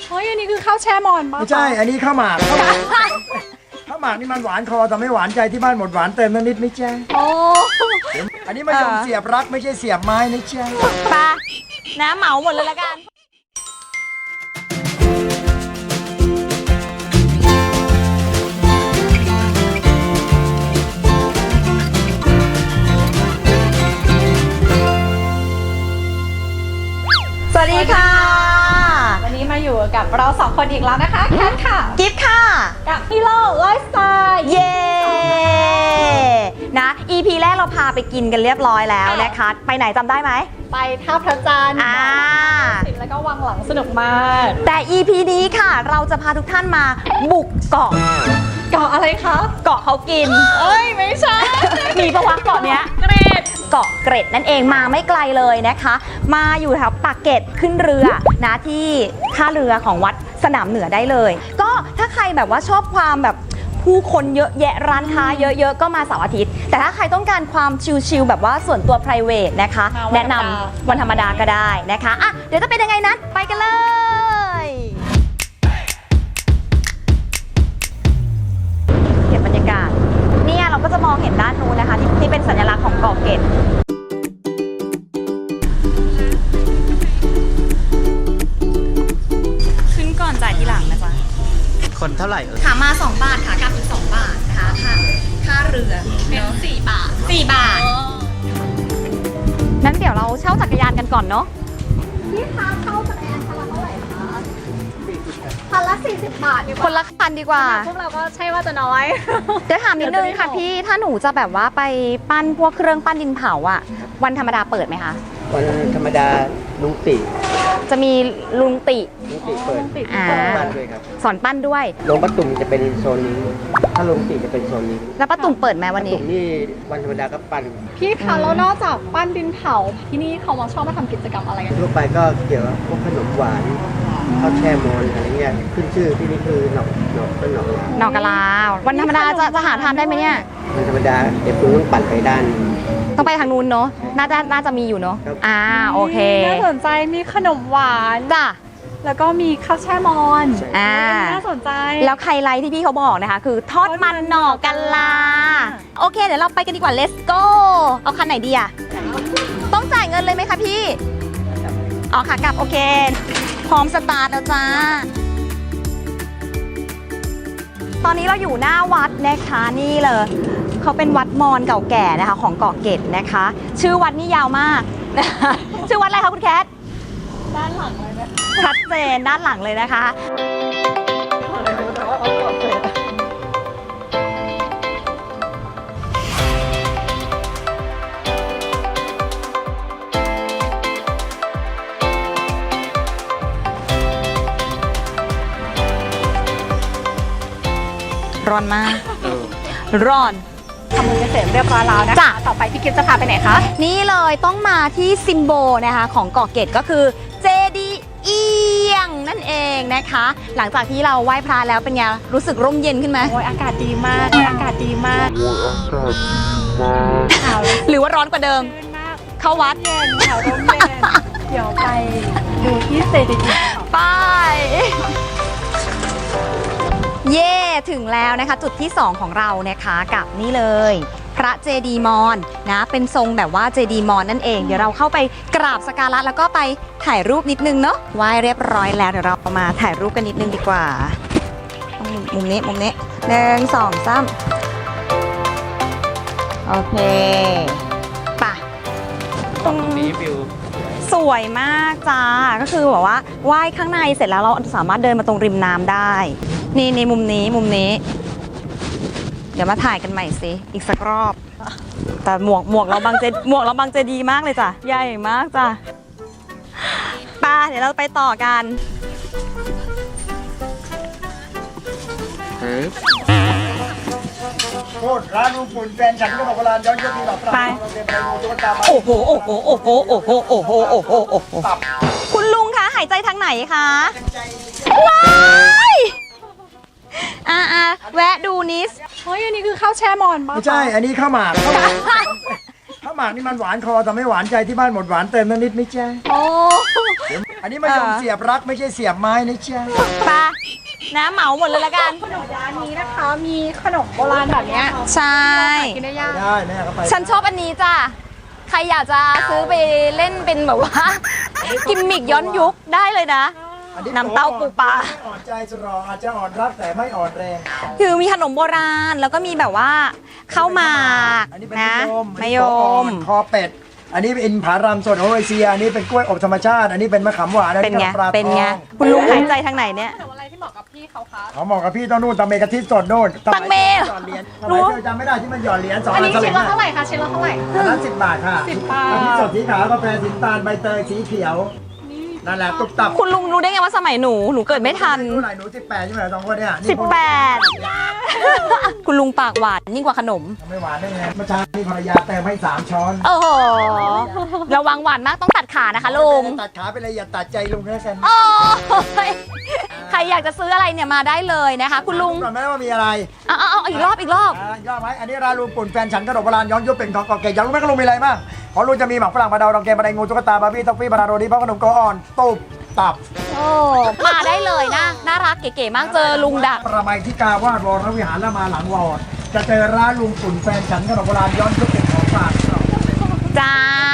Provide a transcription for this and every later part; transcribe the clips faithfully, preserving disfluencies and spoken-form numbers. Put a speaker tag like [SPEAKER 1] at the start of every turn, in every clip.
[SPEAKER 1] เฮ้ยอันนี้คือข้าวแช่มอนปะ
[SPEAKER 2] ไม่ใช่อันนี้ข้าวหมากข้าวหมากข้าวหมากนี่มันหวานคอแต่ไม่หวานใจที่บ้านหมดหวานเติมนิดไม่ใช่
[SPEAKER 1] โอ้
[SPEAKER 2] อันนี้มายมเสียบรักไม่ใช่เสียบไม้นะจ๊ะ
[SPEAKER 3] ปะนะเหมาหมดเลยละกันสวัสดีค่ะ
[SPEAKER 1] วันนี้มาอยู่กับเราสองคนอีกแล้วนะคะแคทค่ะ
[SPEAKER 3] กิฟต์ค่ะ
[SPEAKER 1] กับพี่โลไลฟ์สไตล์
[SPEAKER 3] เย้นะ อี พี แรกเราพาไปกินกันเรียบร้อยแล้วนะคะ ไปไหนจำได้ไหม
[SPEAKER 1] ไปท่าพระจันทร์
[SPEAKER 3] อ่า
[SPEAKER 1] สิบแล้วก็วังหลังสนุกมาก
[SPEAKER 3] แต่ อี พี นี้ค่ะ เราจะพาทุกท่านมาบุกเกาะ
[SPEAKER 1] เกาะอะไรคะ
[SPEAKER 3] เกาะเขากิน
[SPEAKER 1] เอ้ยไม่ใช่
[SPEAKER 3] มีประวัติเกาะเนี้ย
[SPEAKER 1] เกรด
[SPEAKER 3] เกาะเกร็ดนั่นเองมาไม่ไกลเลยนะคะ มาอยู่แถวปากเกร็ดขึ้นเรือนะที่ท่าเรือของวัดสนามเหนือได้เลย ก็ถ้าใครแบบว่าชอบความแบบผู้คนเยอะแยะร้านค้าเยอะๆก็มาเสาร์อาทิตย์แต่ถ้าใครต้องการความชิลๆแบบว่าส่วนตัว private นะคะ แนะนำวันธรรมดาก็ได้นะคะอ่ะเดี๋ยวจะเป็นยังไงนั้นไปกันเลยเก็บบรรยากาศเนี่ยเราก็จะมองเห็นด้านนู้นนะคะที่ที่เป็นสัญลักษณ์ของเกาะเกร็ดขึ้นก่อนจ่ายทีหลังนะจ๊ะ
[SPEAKER 4] คนเท่าไหร่เอ่ย
[SPEAKER 3] ขามาสองบาทขากลับอีกสองบาทนะคะค่าค่าเรือเป็นสี่บาทสี่บาทนั้นเดี๋ยวเราเช่าจักรยานกันก่อนเนาะ
[SPEAKER 1] พี่คะเข้าจักรยานคันละเท่าไหร่คะคันละสี่สิบบาทดีก
[SPEAKER 3] ค
[SPEAKER 1] ว่าน
[SPEAKER 3] ละคันดีกว่า
[SPEAKER 1] พวกเราก็ใช่ว่าจะน้อย
[SPEAKER 3] เดี๋ยวถามนิดนึงค่ะพี่ถ้าหนูจะแบบว่าไปปั้นพวกเครื่องปั้นดินเผาอะวันธรรมดาเปิดไหมคะ
[SPEAKER 4] วันธรรมดาลุงติ
[SPEAKER 3] จะมีลุงติ
[SPEAKER 4] ลุงติเปิด
[SPEAKER 3] อ่า
[SPEAKER 4] บ้านด้วยครับ
[SPEAKER 3] สอนปั้นด้วย
[SPEAKER 4] ลงประตุ่มจะเป็นโซนนี้ ถ้าลงติจะเป็นโซนนี้
[SPEAKER 3] แล้วป้าตุ่มเปิดไหมวัน
[SPEAKER 4] ประ
[SPEAKER 3] นี้
[SPEAKER 4] ตุ่มนี่วันธรรมดาก็ปั่น
[SPEAKER 1] พี่คะแล้วนอกจากปั้นดินเผาที่นี่เขามาชอบมาทำกิจกรรมอะไรกัน
[SPEAKER 4] ทั่วไปก็เกี่ยวกับพวกขนมหวานข้าวแช่มอนอะไรเงี้ยขึ้นชื่อที่นี่คือหนอกหนอกต้นหนอก
[SPEAKER 3] หนอกกะลาวันธรรมดาจะจะหาทานได้ไหมเนี่ย
[SPEAKER 4] วันธรรมดาเดี๋ยวคุณต้องปั่นไปด้าน
[SPEAKER 3] ต้องไปทางนู้นเนาะน่าจะน่าจะมีอยู่เนาะ
[SPEAKER 4] ครับ
[SPEAKER 3] อ่าโอเค
[SPEAKER 1] น่าสนใจมีขนมหวาน
[SPEAKER 3] จ้ะ
[SPEAKER 1] แล้วก็มีข้าวแช่มอน
[SPEAKER 3] อ่า
[SPEAKER 1] น่าสนใจ
[SPEAKER 3] แล้วไฮไลท์ที่พี่เขาบอกนะคะ คือทอดมันหน่อกะลา โอเค เดี๋ยวเราไปกันดีกว่า let's go เอาคันไหนดีอะต้องจ่ายเงินเลยไหมคะพี่ อ๋อค่ะกลับโอเค พร้อมสตาร์ทแล้วจ้า ตอนนี้เราอยู่หน้าวัดนะคะนี่เลยเขาเป็นวัดมอญเก่าแก่นะคะของเกาะเกร็ดนะคะ ชื่อวัดนี่ยาวมากนะคะชื่อวัดอะไรคะคุณแคท
[SPEAKER 1] ด้านหลังเลยไหม
[SPEAKER 3] ชัดเจนด้านหลังเลยนะคะ ร้อนมาก ร้อน
[SPEAKER 1] ทำมือเสร็จเรียบร้อยแล้วนะคะ
[SPEAKER 3] จ้ะ
[SPEAKER 1] ต่อไปพี่กิฟต์จะพาไปไหนคะ
[SPEAKER 3] นี่เลยต้องมาที่ซิมโบลนะคะของเกาะเกร็ดก็คือเจดีย์เอียงนั่นเองนะคะ หลังจากที่เราไหว้พระแล้วเป็นไงรู้สึกร่มเย็นขึ้นไหม
[SPEAKER 1] โอ้ยอากาศดีมากโอ้ยอากาศดีมากข่าว
[SPEAKER 3] หรือว่าร้อนกว่าเดิม
[SPEAKER 1] ชื่นมาก
[SPEAKER 3] เข้าวัด
[SPEAKER 1] เย็นข่าวร่มเย็นเดี๋ยวไปดูที่เซดีย์
[SPEAKER 3] ไป เย่ถึงแล้วนะคะ จุดที่สองของเรานะคะกับนี่เลย พระเจดีย์มอญนะเป็นทรงแบบว่าเจดีย์มอญนั่นเอง เดี๋ยวเราเข้าไปกราบสักการะแล้วก็ไปถ่ายรูปนิดนึงเนาะไหว้เรียบร้อยแล้วเดี๋ยวเรามาถ่ายรูปกันนิดนึงดีกว่าต้องมุมนี้มุมนี้หนึ่งสองสามโอเคไป่ะ
[SPEAKER 4] ตรงนี้วิว
[SPEAKER 3] สวยมากจ้าก็คือแบบว่าไหว้ข้างในเสร็จแล้วเราสามารถเดินมาตรงริมน้ำได้ นี่ในมุมนี้มุมนี้ เดี๋ยวมาถ่ายกันใหม่สิอีกสักรอบ แต่หมวกหมวกเราบางเจหมวกเราบางเจดีมากเลยจ้ะใหญ่มากจ้ะไป่ะเดี๋ยวเราไปต่อกัน
[SPEAKER 2] โทษร้านลุงปุ่นแฟนฉันก็บอกว่าร้านย้อนยุคปีแบบ
[SPEAKER 3] ไป
[SPEAKER 2] เราเดินไปดูตุ๊กตามา
[SPEAKER 3] โอ้โหโอ้โหโอ้โหโอ้โหโอ้โหโอ้โหโอ้โหคุณลุงคะหายใจทางไหนคะว้ายอ่าอ่าแวะดูนิส
[SPEAKER 1] เฮ้ยอันนี้คือข้าวแช่มอนปะ
[SPEAKER 2] ไม่ใช่อันนี้ข้าวหมากข้าวหมากข้าวหมากนี่มันหวานคอแต่ไม่หวานใจที่บ้านหมดหวานเติมนิดไม่ใช่
[SPEAKER 1] โอ้
[SPEAKER 2] อันนี้มายมเสียบรักไม่ใช่เสียบไม้นะจ๊ะ
[SPEAKER 3] ปะนะเหมาหมดเลยละกัน
[SPEAKER 1] ขนมร้านนี้นะคะ มีขนมโบราณแบบเนี้ย
[SPEAKER 3] ใช่
[SPEAKER 1] กินได้ยาก
[SPEAKER 2] ได้แม่ก็ไป
[SPEAKER 3] ฉันชอบอันนี้จ้ะ ใครอยากจะซื้อไปเล่นเป็นแบบว่า กิมมิกย้อนยุคได้เลยนะ
[SPEAKER 2] อันนี้
[SPEAKER 3] น้ำเต้าปูปลา
[SPEAKER 2] ไม่อ่อนใจจะรออาจจะอ่อนรักแต่ไม่อ่อนแรง
[SPEAKER 3] คือมีขนมโบราณแล้วก็มีแบบว่าข้าวหมาก
[SPEAKER 2] อันนี้เป็น
[SPEAKER 3] นะ
[SPEAKER 2] มะ
[SPEAKER 3] มะ
[SPEAKER 2] ย
[SPEAKER 3] ย
[SPEAKER 2] ม
[SPEAKER 3] ม
[SPEAKER 2] คอเป็ด อันนี้เป็นผารามสดโอเอเชีย อันนี้เป็นกล้วยอบธรรมชาติ อันนี้เป็นมะขามหวานอัน
[SPEAKER 3] เป็น
[SPEAKER 2] นี้
[SPEAKER 3] ไง
[SPEAKER 2] ปลา
[SPEAKER 3] เป็นไง
[SPEAKER 2] ทอง
[SPEAKER 3] คุณลุงหายใจทางไหนเนี่ย
[SPEAKER 1] ขนมอะไรที่เหมาะกับพี่เขาคะ
[SPEAKER 2] เขาเหมาะกับพี่ต้องนู่นตังเมกะทิสดนู่น
[SPEAKER 3] ตังเม
[SPEAKER 2] หยอดเหรียญสมัยเธอจำไม่ได้ที่มันหยอดเหรียญสอง
[SPEAKER 1] อัน
[SPEAKER 2] อัน
[SPEAKER 1] นี้
[SPEAKER 2] ส
[SPEAKER 1] ชิ้
[SPEAKER 2] ลึ
[SPEAKER 1] น
[SPEAKER 2] ง
[SPEAKER 1] ละ
[SPEAKER 2] อะ
[SPEAKER 1] เท่าไหร่คะชิ้นละเท่าไหร่
[SPEAKER 2] อันนั้นสิบบาทค่ะ
[SPEAKER 1] สิบบาท
[SPEAKER 2] กะทิสดสีขาวกาแฟสีน้ำตาลใบเตยสีเขียว นั่นแหละตุบตับ
[SPEAKER 3] คุณลุงรู้ได้ไงว่าสมัยหนูหนูเกิดไม่ทัน
[SPEAKER 2] หนูไหนหนูสิบแปดใช่ไหมสองคนเนี่ยนี่
[SPEAKER 3] สิบแปด คุณลุงปากหวานยิ่งกว่าขนม
[SPEAKER 2] ไม่หวานได้ไงเมื่อเช้านี่ภรรยาเติมให้สามช้อน
[SPEAKER 3] โอ้โหระวังหวานมากต้องตัดขานะคะลุง
[SPEAKER 2] ตัดขาไปเลยอย่าตัดใจลุงแค่กัน
[SPEAKER 3] โอ้ยใครอยากจะซื้ออะไรเนี่ยมาได้เลยนะคะ คุณลุง
[SPEAKER 2] ก่อนไหมว่ามีอะไร
[SPEAKER 3] เอาเอาเอาอีกรอบอีกรอบ
[SPEAKER 2] อ่ายอดไหมอันนี้ร้านลุงปุ่นแฟนฉันขนมโบราณย้อนยุคเป็นของเก่าแก่อยากรู้ไหมก็ลุงมีอะไรบ้างของลุงจะมีหมักฝรั่งมะเดาดองแกงมะไดงูตุ๊กตาบาร์บี้ท็อฟฟี่บานาโรดีเพราะขนมโกอ่อนตุบตับ
[SPEAKER 3] โอ้มาได้เลยนะน่ารักเก๋ๆมากเจอลุงดัก
[SPEAKER 2] ประไมที่กาวาดวรวิหารแล้วมาหลังวอดจะเจอร้านลุงปุ่นแฟนฉันขนมโบราณย้อนยุคเป็นของฝาก
[SPEAKER 3] จ้า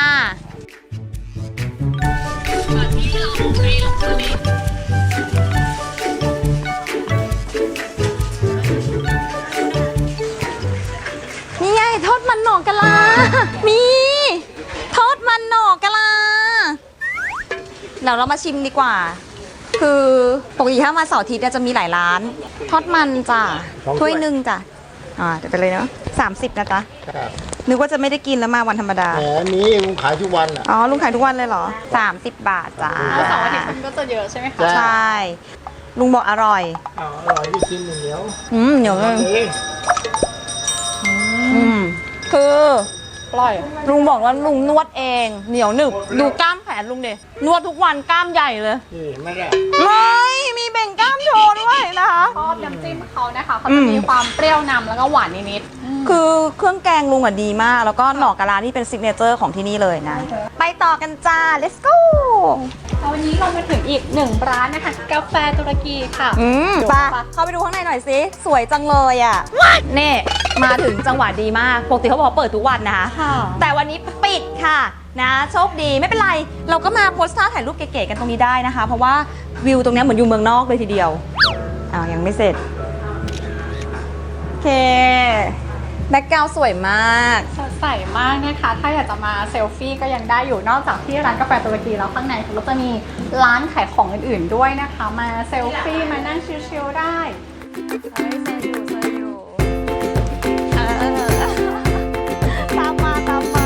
[SPEAKER 3] นี่ไงทอดมันหน่อกะลา มีทอดมันหน่อกะลา เดี๋ยวเรามาชิมดีกว่า คือปกติถ้ามาเสาร์อาทิตย์เนี่ยจะมีหลายร้าน ทอดมันจ้ะถ้วยหนึ่งจ้ะอ่าเดี๋ยวไปเลยเนาะสามสิบนะจ๊ะ
[SPEAKER 4] ครับ
[SPEAKER 3] นึกว่าจะไม่ได้กินแล้วมาวันธรรมดา
[SPEAKER 4] แหมนี้ลุงขายทุกวันอ่ะ
[SPEAKER 3] อ๋อ ลุงขายทุกวันเลยเหรอ สามสิบบาทจ้า
[SPEAKER 1] เสาร์อาทิตย์มันก็จะเยอะใช่ไหมคะ
[SPEAKER 4] จ้ะ
[SPEAKER 3] ใช่ ลุงบอกอร่อย
[SPEAKER 4] อ๋ออร่อยที่กินเหนียว
[SPEAKER 3] อืมเหนียวเลย
[SPEAKER 4] เอง
[SPEAKER 3] อืม คือ
[SPEAKER 1] ปล่อย
[SPEAKER 3] ลุงบอกว่าลุงนวดเอง เหนียวหนึบ ดูกล้ามแขนลุงดินวดทุกวันกล้ามใหญ่เลย
[SPEAKER 4] นี่ไม่ได้
[SPEAKER 3] ไม่มีเบ่งกล้ามโชว์ด้วยนะคะ
[SPEAKER 1] ชอบน้ำจิ้มเขานะคะเขาจะมีความเปรี้ยวนำแล้วก็หวานนิด
[SPEAKER 3] คือเครื่องแกงลุงอ่ะดีมาก แล้วก็หน่อกะลานี่เป็นซิกเนเจอร์ของที่นี่เลยนะ ไปต่อกันจ้า let's go
[SPEAKER 1] ๆแล้ววันนี้เรามาถึงอีกหนึ่งร้านนะคะ กาแฟตุรกีค่ะ
[SPEAKER 3] อืมไปเข้าไปดูข้างในหน่อยสิ สวยจังเลยอ่ะนี่มาถึงจังหวะดีมาก ปกติเขาบอกว่าเปิดทุกวันนะคะ
[SPEAKER 1] ค่ะ
[SPEAKER 3] แต่วันนี้ปิดค่ะนะโชคดีไม่เป็นไร เราก็มาโพสต์ท่าถ่ายรูปเก๋ๆกันตรงนี้ได้นะคะ เพราะว่าวิวตรงเนี้ยเหมือนอยู่เมืองนอกเลยทีเดียวอ้าวยังไม่เสร็จ โอเคแบ็คกราวด์สวยมาก
[SPEAKER 1] สดใสมากนะคะ ถ้าอยากจะมาเซลฟี่ก็ยังได้อยู่ นอกจากที่ร้านกาแฟตุรกีแล้วข้างในเขาก็จะมีร้านขายของอื่นๆด้วยนะคะ มาเซลฟี่มานั่งชิลๆได้
[SPEAKER 3] เฮ้ยเซอยู่เซอยู่เออตามมาตามมา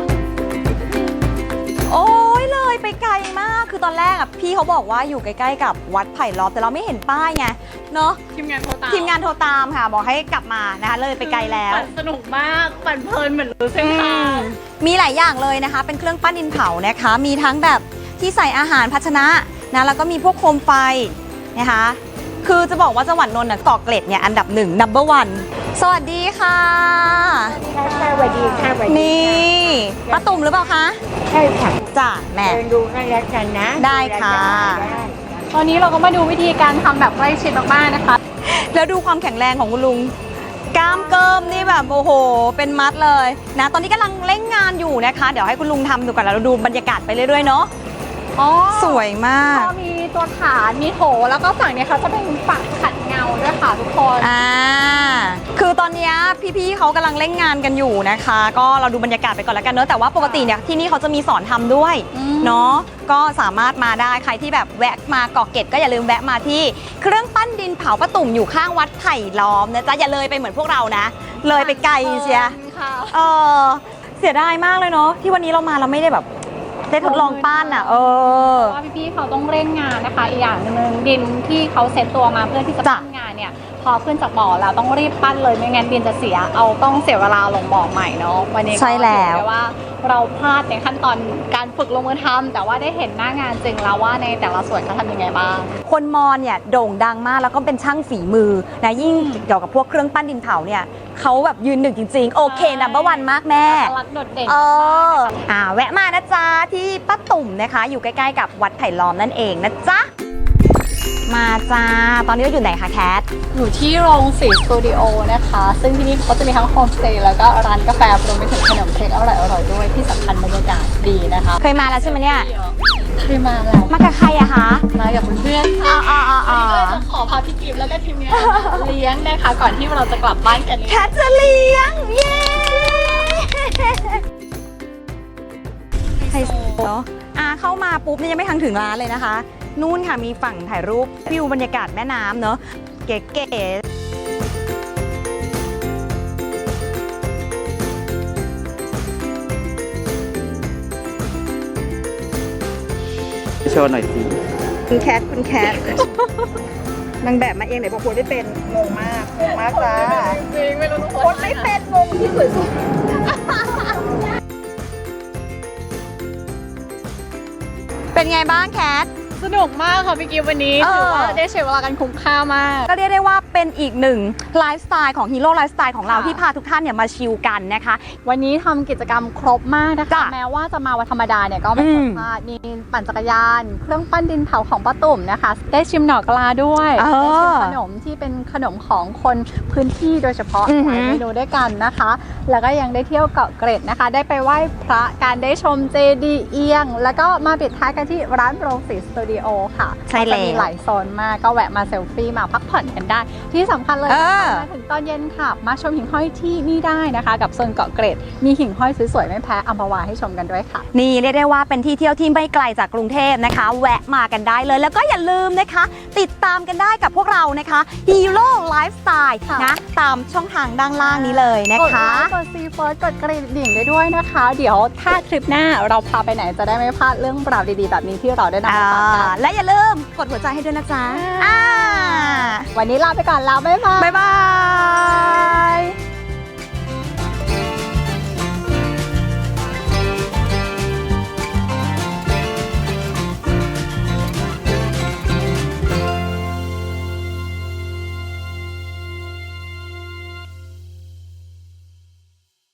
[SPEAKER 3] โอ้ยเลยไปไกลมาก คือตอนแรกอ่ะพี่เขาบอกว่าอยู่ใกล้ๆกับวัดไผ่ล้อมแต่เราไม่เห็นป้ายไง เนาะ
[SPEAKER 1] ทีมงานโทรตาม
[SPEAKER 3] ทีมงานโทรตามค่ะ บอกให้กลับมานะคะ เลยไปไกลแล้ว
[SPEAKER 1] ปั่นสนุกมาก ปั่นเพลินเหมือนรู้เส้นทาง
[SPEAKER 3] มีหลายอย่างเลยนะคะ เป็นเครื่องปั้นดินเผานะคะ มีทั้งแบบที่ใส่อาหารภาชนะนะ แล้วก็มีพวกโคมไฟนะคะ คือจะบอกว่าจังหวัดนนท์น่ะเกาะเกร็ดเนี่ยอันดับหนึ่ง number one สวัสดีค่ะ
[SPEAKER 5] สวัสดีค่ะสวัสดี
[SPEAKER 3] นี่ป้าตุ่มหรือเปล่าคะ
[SPEAKER 5] ใช่ค่ะ
[SPEAKER 3] จ้ะแม่
[SPEAKER 5] เดินดูกันแล้วกันนะ
[SPEAKER 3] ได้ค่ะ
[SPEAKER 5] ได้
[SPEAKER 1] ตอนนี้เราก็มาดูวิธีการทำแบบใกล้ชิดมากๆนะคะ
[SPEAKER 3] แล้วดูความแข็งแรงของคุณลุง กล้ามเกิมนี่แบบโอ้โห เป็นมัดเลยนะ ตอนนี้กำลังเร่งงานอยู่นะคะ เดี๋ยวให้คุณลุงทำดูก่อนแล้วเราดูบรรยากาศไปเรื่อยๆเนาะ
[SPEAKER 1] อ๋อ
[SPEAKER 3] สวยมาก
[SPEAKER 1] ก็มีตัวฐาน มีโถ แล้วก็ฝั่งเนี้ยเขาจะเป็นฝักขัดเงาด้วยค่ะทุกคน
[SPEAKER 3] อ่า คือตอนเนี้ยพี่ๆเขากำลังเร่งงานกันอยู่นะคะ ก็เราดูบรรยากาศไปก่อนแล้วกันเนอะแต่ว่าปกติเนี่ยที่นี่เขาจะมีสอนทำด้วย
[SPEAKER 1] อืม
[SPEAKER 3] เนาะ ก็สามารถมาได้ใครที่แบบแวะมาเกาะเกร็ดก็อย่าลืมแวะมาที่เครื่องปั้นดินเผาป้าตุ่มอยู่ข้างวัดไผ่ล้อมนะจ๊ะอย่าเลยไปเหมือนพวกเรานะ เลยไปไกลเชีย
[SPEAKER 1] ค่ะ
[SPEAKER 3] เออเสียดายมากเลยเนาะที่วันนี้เรามาเราไม่ได้แบบได้ทดลองปั้นอ่ะ เออ
[SPEAKER 1] เพราะว่าพี่ๆเขาต้องเร่งงานนะคะ อีกอย่างหนึ่งดินที่เขาเซ็ตตัวมาเพื่อที่จะ
[SPEAKER 3] จ้ะ
[SPEAKER 1] ปั้นงานเนี่ยพอขึ้นจากบ่อแล้วต้องรีบปั้นเลยไม่งั้นดินจะเสียเอาต้องเสียเวลาลงบ่อใหม่เนาะวันนี้ก็
[SPEAKER 3] ใช่แล้ว
[SPEAKER 1] ถือได้ว่าเราพลาดในขั้นตอนการฝึกลงมือทำแต่ว่าได้เห็นหน้างานจริงแล้วว่าในแต่ละส่วนเขาทำยังไงบ้าง
[SPEAKER 3] คนมอญเนี่ยโด่งดังมากแล้วก็เป็นช่างฝีมือนะยิ่งเกี่ยวกับพวกเครื่องปั้นดินเผาเนี่ยเขาแบบยืนหนึ่งจริงๆ โอเคนัมเบอร์วันมากแม่
[SPEAKER 1] อัตลักษณ์โดดเด่น
[SPEAKER 3] เอออ่าแวะมานะจ๊ะที่ป้าตุ่มนะคะ อยู่ใกล้ๆกับวัดไผ่ล้อมนั่นเองนะจ๊ะมาจ้าตอนนี้เราอยู่ไหนคะแคท
[SPEAKER 1] อยู่ที่โรงสีสตูดิโอนะคะ ซึ่งที่นี่เขาจะมีทั้งโฮมสเตย์แล้วก็ร้านกาแฟรวมไปถึงขนมเค้กอร่อยๆด้วยที่สำคัญบรรยากาศดีนะคะ
[SPEAKER 3] เคยมาแล้วใช่ไหมเนี่ย
[SPEAKER 1] เคยมาแล้ว
[SPEAKER 3] มากับใครอะคะ
[SPEAKER 1] มากับเพื่อนๆ
[SPEAKER 3] อ๋ออ๋ออ๋ออ๋อ
[SPEAKER 1] วันนี้ก็เลยจะขอพาพี่กิฟต์แล้วก็ทีมงานมาเลี้ยงนะคะ ก่อนที่เราจะกลับบ้านกัน
[SPEAKER 3] แคทจะเลี้ยง เย้ไฮโซเนาะอ่าเข้ามาปุ๊บเนี่ยยังไม่ทันถึงร้านเลยนะคะ นู่นค่ะมีฝั่งถ่ายรูปวิวบรรยากาศแม่น้ำเนาะเก๋ๆ
[SPEAKER 4] โชว์หน่อยสิ
[SPEAKER 3] คุณแคทคุณแคท นางแบบมาเองไหนบอกคนไม่เป็นงงมากงงมากจ้า
[SPEAKER 1] จริงไม่รู้ทุก
[SPEAKER 3] ค
[SPEAKER 1] คน
[SPEAKER 3] นไม่เป็นงงที่สุดเป็นไงบ้างแคท
[SPEAKER 1] สนุกมากค่ะพี่กิฟต์วันนี้
[SPEAKER 3] เออ
[SPEAKER 1] ถือว่าได้ใช้เวลากันคุ้มค่ามาก
[SPEAKER 3] ก็เรียกได้ว่าเป็นอีกหนึ่งไลฟ์สไตล์ของฮีโร่ไลฟ์สไตล์ของเรา
[SPEAKER 1] ค่ะ
[SPEAKER 3] ที่พาทุกท่านเนี่ยมาชิลกันนะคะ
[SPEAKER 1] วันนี้ทำกิจกรรมครบมากนะคะ
[SPEAKER 3] จ้ะ
[SPEAKER 1] แม้ว่าจะมาวันธรรมดาเนี่ยก็ไม่
[SPEAKER 3] อื
[SPEAKER 1] คว
[SPEAKER 3] ม
[SPEAKER 1] รพลาดมีปั่นจักรยาน เครื่องปั้นดินเผาของป้าตุ่มนะคะ ได้ชิมหน่อกลาด้วย
[SPEAKER 3] เอ
[SPEAKER 1] ได้ชิม
[SPEAKER 3] อ
[SPEAKER 1] ขนมที่เป็นขนมของคนพื้นที่โดยเฉพาะ
[SPEAKER 3] อือหื
[SPEAKER 1] ห
[SPEAKER 3] อ
[SPEAKER 1] ลายเมนูด้วยกันนะคะ แล้วก็ยังได้เที่ยวเกาะเกร็ดนะคะ ได้ไปไหว้พระการได้ชมเจดีย์เอียง แล้วก็มาปิดท้ายกันที่ร้านโรงสีสตูดิโอค่ะ
[SPEAKER 3] ใช่แล้ว
[SPEAKER 1] ก็จะมีหลายโซนมากก็แวะมาเซลฟี่มาพักผ่อนกันได้ ที่สำคัญเลย
[SPEAKER 3] เอ
[SPEAKER 1] นะคะ
[SPEAKER 3] อ
[SPEAKER 1] มาถึงตอนเย็นค่ะ มาชมหิ่งห้อยที่นี่ได้นะคะ กับโซนเกาะเกร็ด มีหิ่งห้อยสวยๆไม่แพ้อัมพวาให้ชมกันด้วยค่ะ
[SPEAKER 3] นี่เรียกได้ว่าเป็นที่เที่ยวที่ไม่ไกลจากกรุงเทพนะคะ แวะมากันได้เลย แล้วก็อย่าลืมนะคะ ติดตามกันได้กับพวกเรานะคะ Hero Lifestyle
[SPEAKER 1] ค่ะ
[SPEAKER 3] นะตามช่องทางด้านล่างนี้เลยนะ
[SPEAKER 1] กด
[SPEAKER 3] คะ
[SPEAKER 1] ไลค์กดซีเฟิร์สกดกระดิ่งได้ด้วยนะคะ เดี๋ยวถ้าทริปหน้าเราพาไปไหนจะได้ไม่พลาดเรื่องราวดีๆ แบบนี้ที่เราได้นำมาฝากกัน
[SPEAKER 3] และอย่าลืมกดหัวใจให้ด้วยนะจ๊ะอ่า
[SPEAKER 1] วันนี้ลาไปก่อนแล้วบ๊ายบาย
[SPEAKER 3] บ๊ายบาย